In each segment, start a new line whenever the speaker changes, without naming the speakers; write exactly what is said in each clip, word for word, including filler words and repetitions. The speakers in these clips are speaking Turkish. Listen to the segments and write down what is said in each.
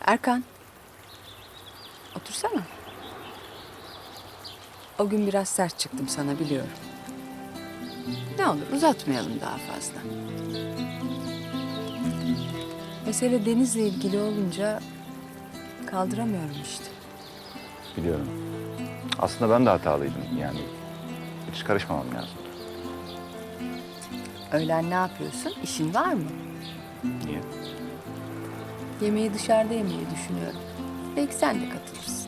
Erkan, otursana. O gün biraz sert çıktım sana biliyorum. Ne olur uzatmayalım daha fazla. Mesele Deniz'le ilgili olunca kaldıramıyorum işte.
Biliyorum. Aslında ben de hatalıydım yani. Hiç karışmamam lazım.
Öğlen ne yapıyorsun? İşin var mı?
Niye?
Yemeği dışarıda yemeyi düşünüyorum. Belki sen de katılırsın.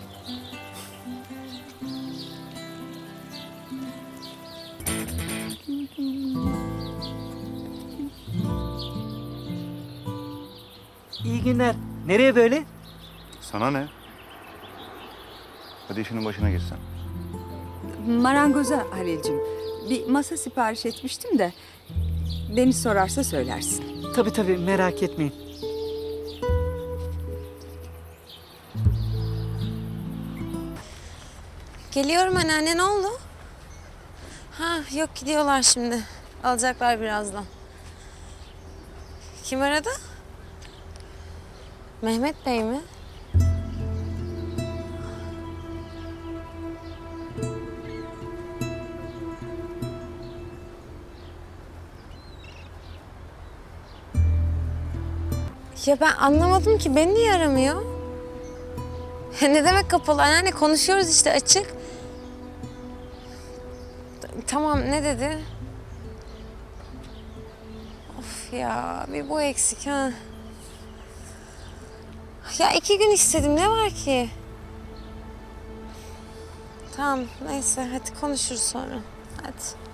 İyi günler. Nereye böyle?
Sana ne? Hadi işinin başına girsen.
Marangoza Halil'cim. Bir masa sipariş etmiştim de Deniz sorarsa söylersin.
Tabii tabii, merak etmeyin.
Geliyorum anneanne, ne oldu? Ha yok, gidiyorlar şimdi. Alacaklar birazdan. Kim aradı? Mehmet Bey mi? Ya ben anlamadım ki, beni niye aramıyor? Ne demek kapalı anneanne, konuşuyoruz işte açık. Tamam, ne dedi? Of ya, bir bu eksik ha. Ya iki gün istedim, ne var ki? Tamam, neyse hadi konuşuruz sonra. Hadi.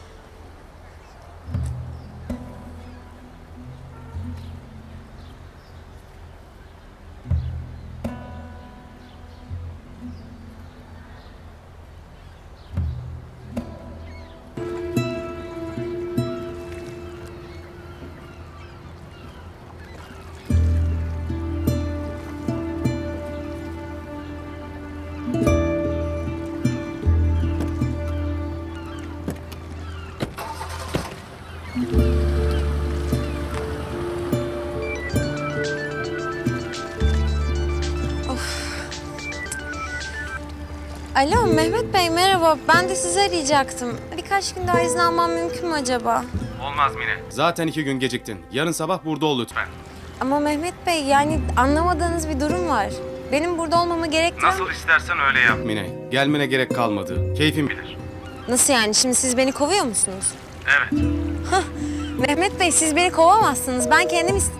Alo Mehmet Bey, merhaba. Ben de sizi arayacaktım. Birkaç gün daha izin almam mümkün mü acaba?
Olmaz Mine. Zaten iki gün geciktin. Yarın sabah burada ol lütfen.
Ama Mehmet Bey, yani anlamadığınız bir durum var. Benim burada olmamı gerektiren...
Nasıl istersen öyle yap. Mine, gelmene gerek kalmadı. Keyfin bilir.
Nasıl yani? Şimdi siz beni kovuyor musunuz?
Evet.
Mehmet Bey, siz beni kovamazsınız. Ben kendim ist...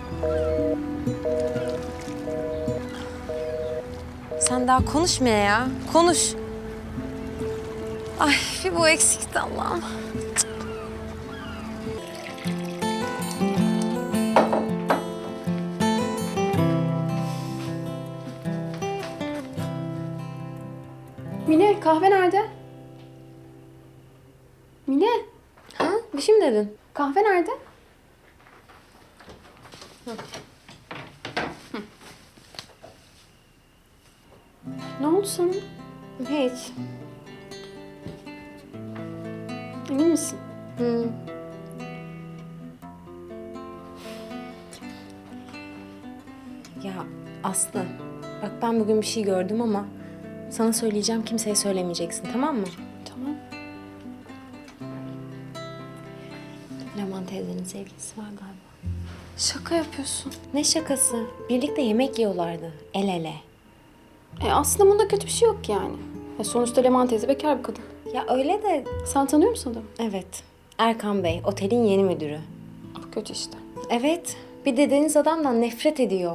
Sen daha konuşma ya. Konuş. Ay, bir bu eksikti Allah'ım.
Mine, kahve nerede? Mine,
Ha? Bir şey mi dedin?
kahve nerede? Ne oldu sana?
Hiç.
Emin misin?
Hı. Ya Aslı, bak ben bugün bir şey gördüm ama sana söyleyeceğim, kimseye söylemeyeceksin, tamam mı?
Tamam.
Leman teyzenin sevgilisi var galiba.
Şaka yapıyorsun.
Ne şakası? Birlikte yemek yiyorlardı, el ele.
E aslında bunda kötü bir şey yok yani. E, sonuçta Leman teyze bekar bir kadın.
Ya öyle de...
Sen tanıyor musun adamı?
Evet, Erkan Bey, otelin yeni müdürü.
Bu kötü işte.
Evet, bir de Deniz adamdan nefret ediyor.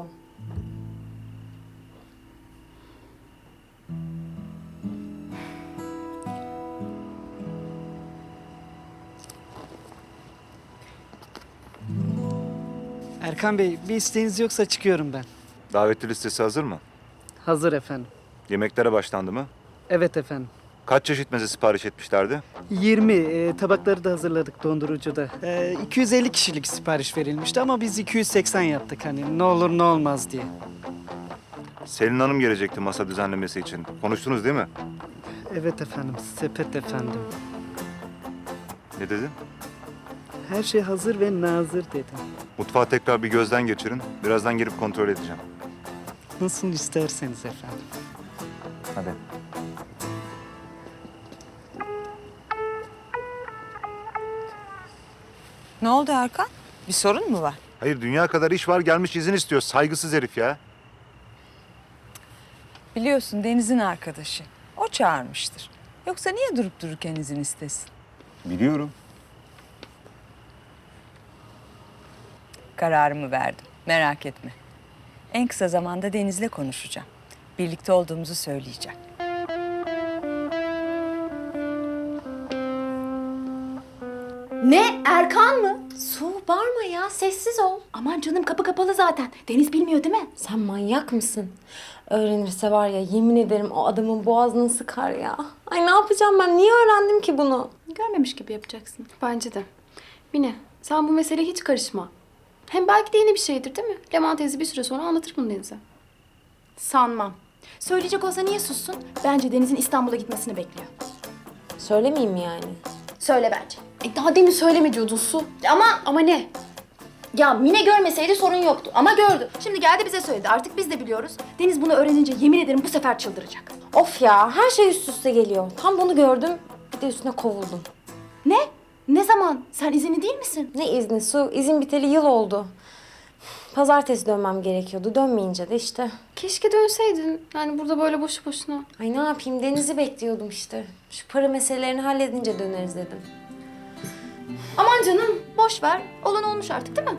Erkan Bey, bir isteğiniz yoksa çıkıyorum ben.
Davetli listesi hazır mı?
Hazır efendim.
Yemeklere başlandı mı?
Evet efendim.
Kaç çeşit meze sipariş etmişlerdi?
yirmi e, tabakları da hazırladık dondurucuda. E, iki yüz elli kişilik sipariş verilmişti ama biz iki yüz seksen yaptık hani ne olur ne olmaz diye.
Selin Hanım gelecekti masa düzenlemesi için. Konuştunuz değil mi?
Evet efendim, sepet efendim.
Ne dedin?
Her şey hazır ve nazır dedim.
Mutfağı tekrar bir gözden geçirin. Birazdan gelip kontrol edeceğim.
Nasıl isterseniz efendim.
Hadi.
Ne oldu Erkan? Bir sorun mu var?
Hayır dünya kadar iş var gelmiş izin istiyor. Saygısız herif ya.
Biliyorsun Deniz'in arkadaşı. O çağırmıştır. Yoksa niye durup dururken izin istesin?
Biliyorum.
Kararımı verdim. Merak etme. En kısa zamanda Deniz'le konuşacağım. Birlikte olduğumuzu söyleyeceğim.
Ne? Erkan mı?
Su bağırma ya, sessiz ol.
Aman canım kapı kapalı zaten. Deniz bilmiyor değil mi?
Sen manyak mısın? Öğrenirse var ya, yemin ederim o adamın boğazını sıkar ya. Ay ne yapacağım ben? Niye öğrendim ki bunu?
Görmemiş gibi yapacaksın. Bence de. Mine, sen bu meseleye hiç karışma. Hem belki de yeni bir şeydir değil mi? Leman teyze bir süre sonra anlatır bunu Deniz'e.
Sanmam. Söyleyecek olsa niye sussun? Bence Deniz'in İstanbul'a gitmesini bekliyor.
Söylemeyeyim mi yani?
Söyle bence.
E daha demin söyleme diyordun Su.
Ama
Ama ne?
ya Mine görmeseydi sorun yoktu. Ama gördü. Şimdi geldi bize söyledi. Artık biz de biliyoruz. Deniz bunu öğrenince yemin ederim bu sefer çıldıracak.
Of ya, her şey üst üste geliyor. Tam bunu gördüm, bir de üstüne kovuldum.
Ne? Ne zaman? Sen izinli değil misin?
Ne izni Su? İzin biteli yıl oldu. Pazartesi dönmem gerekiyordu. Dönmeyince de işte.
Keşke dönseydin. Yani burada böyle boşu boşuna.
Ay ne yapayım, Deniz'i bekliyordum işte. Şu para meselelerini halledince döneriz dedim.
Aman canım boş ver. Olan olmuş artık değil mi?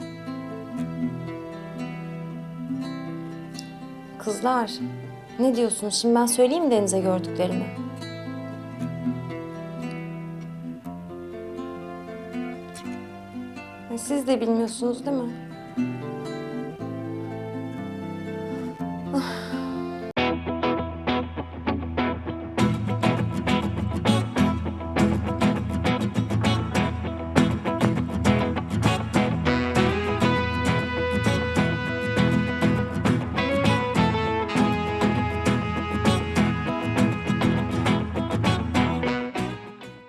Kızlar, ne diyorsunuz? Şimdi ben söyleyeyim mi Deniz'e gördüklerimi? Ay, siz de bilmiyorsunuz değil mi? Ah.